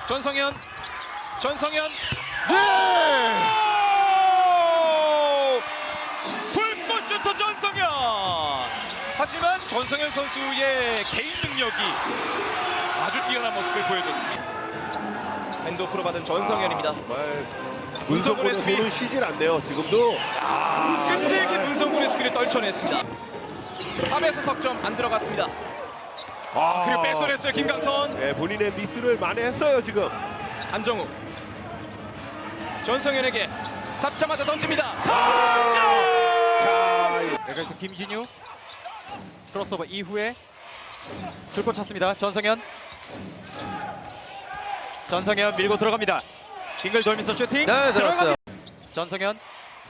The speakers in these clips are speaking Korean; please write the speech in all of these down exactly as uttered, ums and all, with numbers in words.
전성현, 전성현. 네! 불꽃 슈터 전성현. 하지만 전성현 선수의 개인 능력이 아주 뛰어난 모습을 보여줬습니다. 핸드오프로 받은 전성현입니다. 정말 문성곤의 문성곤의 수비. 손은 쉬질 않네요. 지금도 아, 끈질긴 문성곤의 수비를 떨쳐냈습니다. 탑에서 석점 안 들어갔습니다. 아, 그리고 뺏어냈어요 김강선. 네, 본인의 미스를 만회했어요 지금. 안정우. 전성현에게 잡자마자 던집니다. 자, 석점! 여기서 김진유 크로스오버 이후에 줄곧 찼습니다. 전성현 전성현 밀고 들어갑니다. 빙글 돌면서 슈팅. 네, 들어갔어요. 전성현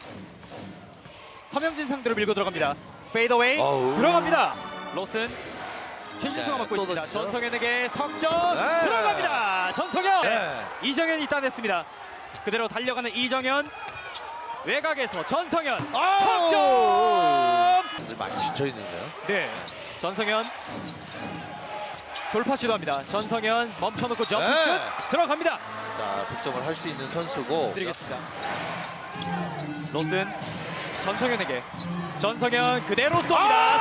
서명진 상대로 밀고 들어갑니다. 페이더웨이 어우. 들어갑니다. 로슨 최진수가 네, 맡고 또 있습니다. 던지죠. 전성현에게 석점 네. 들어갑니다. 전성현 네. 이정현이 따냈습니다. 그대로 달려가는 이정현 외곽에서 전성현 아우! 석점. 많이 지쳐 있는데요. 네, 전성현 돌파 시도합니다. 전성현 멈춰놓고 점프슛 네. 들어갑니다. 자, 득점을 할 수 있는 선수고. 드리겠습니다. 로슨 전성현에게 전성현 그대로 쏩니다.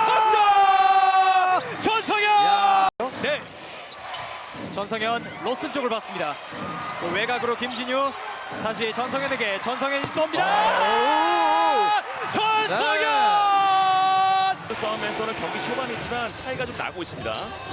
아! 석점! 전성현! 네, 전성현 로슨 쪽을 봤습니다. 또 외곽으로 김진유 다시 전성현에게 전성현이 쏩니다. 전성현! 싸움에서는 경기 초반이지만 차이가 좀 나고 있습니다.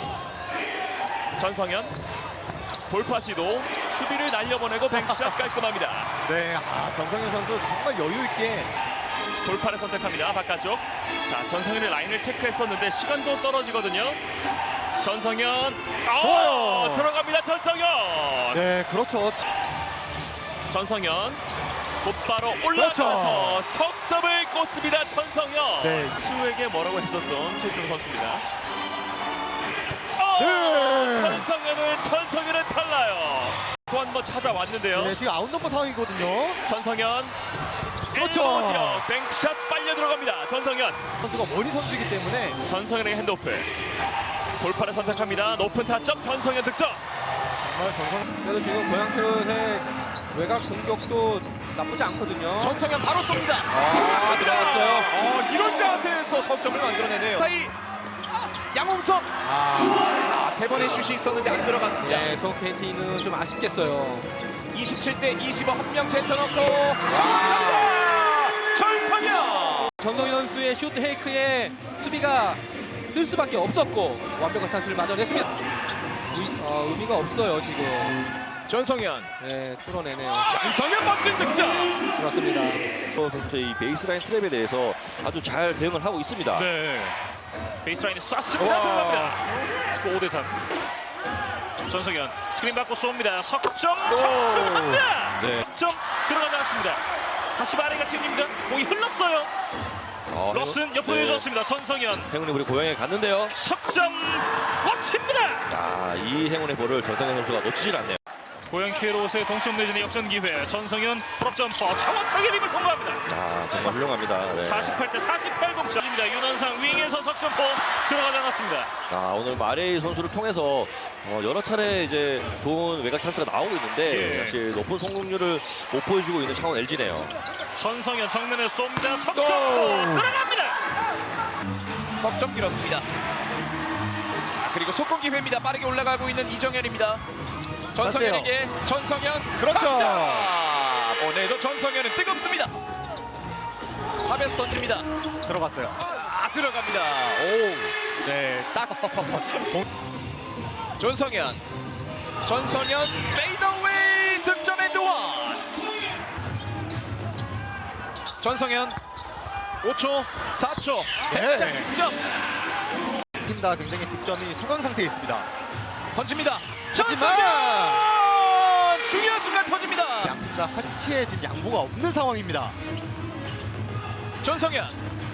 전성현 돌파 시도 수비를 날려보내고 뱅크샷 깔끔합니다. 네, 아, 정성현 선수 정말 여유 있게. 돌파를 선택합니다. 바깥쪽. 자, 전성현의 라인을 체크했었는데 시간도 떨어지거든요. 전성현 어, 좋아요. 들어갑니다. 전성현. 네, 그렇죠. 전성현 곧바로 올라가서 석점을 꽂습니다. 전성현. 네. 수에게 뭐라고 했었던 최준 선수입니다. 어, 네. 전성현은 전성현은 달라요. 또 한 번 찾아왔는데요. 네, 지금 아웃넘버 상황이거든요. 전성현 그렇죠. 일보 지역 뱅크샷 빨려 들어갑니다. 전성현. 선수가 머리 선수이기 때문에. 전성현에게 핸드오프. 돌파를 선택합니다. 높은 타점 전성현 득점. 그래도 지금 고양 캐럿의 외곽 공격도 나쁘지 않거든요. 전성현 바로 쏩니다. 아, 들어갔어요. 어, 이런 자세에서 석점을 만들어내네요. 사이 양홍석. 아, 세 번의 슛이 있었는데 안 들어갔습니다. 네, 송 케이티는 좀 아쉽겠어요. 이십칠 대 이십오 한 명 제쳐놓고 정답이다! 전성현! 전성현 선수의 슛 페이크에 수비가 뜰 수밖에 없었고 완벽한 찬스를 만들어냈습니다. 의, 어, 의미가 없어요 지금. 전성현. 네, 뚫어내네요. 전성현 멋진 득점. 그렇습니다. 선수의 이 베이스라인 트랩에 대해서 아주 잘 대응을 하고 있습니다. 네. 베이스라인에 쐈습니다. 들어갑니다. 오 대 삼. 전성현 스크린 받고 쏩니다. 석점 성공합니다. 네. 점 들어가지 않았습니다. 다시 마레가 챙깁니다. 공이 흘렀어요. 어, 러슨 옆으로 네. 해줬습니다. 전성현 행운이 우리 고향에 갔는데요. 석점 꽂힙니다. 야, 이 행운의 볼을 전성현 선수가 놓치질 않네요. 고양 캐롯의 동점 내전의 역전 기회. 전성현 풀업 점퍼 정확하게 림을 통과합니다. 자, 정말 훌륭합니다. 네. 사십팔 대 사십팔 동점입니다. 윤원상 윙에서 석점포 들어가지 않았습니다. 자, 오늘 마레이 선수를 통해서 어, 여러 차례 이제 좋은 외곽 찬스가 나오고 있는데 예. 사실 높은 성공률을 못 보여주고 있는 창원 엘지네요. 전성현 정면에 쏩니다. 석점포 들어갑니다. 석점 길었습니다. 아, 그리고 속공 기회입니다. 빠르게 올라가고 있는 이정현입니다. 전성현에게 전성현. 그렇죠. 자, 오늘도 전성현은 뜨겁습니다. 탑에서 던집니다. 들어갔어요. 아, 들어갑니다. 오. 네, 딱. 전성현. 전성현 페이더웨이 득점 앤드 원. 전성현 오 초, 사 초. 네. 백장 득점. 팀 다 굉장히 득점이 소강 상태에 있습니다. 던집니다. 하지만 전성현! 중요한 순간 터집니다. 양팀 다 한치의 지금 양보가 없는 상황입니다. 전성현.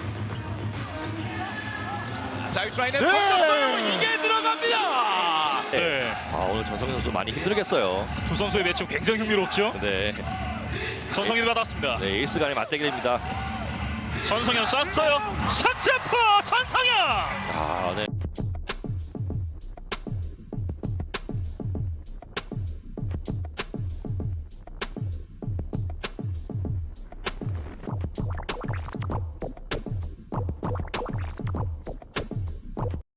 자유라인에 네. 던졌어요. 이게 들어갑니다. 네. 아, 오늘 전성현 선수 많이 힘들겠어요. 두 선수의 매치 굉장히 흥미롭죠. 네. 전성현이 받았습니다. 네, 에이스 간의 맞대결입니다. 전성현 쐈어요. 석점포 전성현. 아, 네.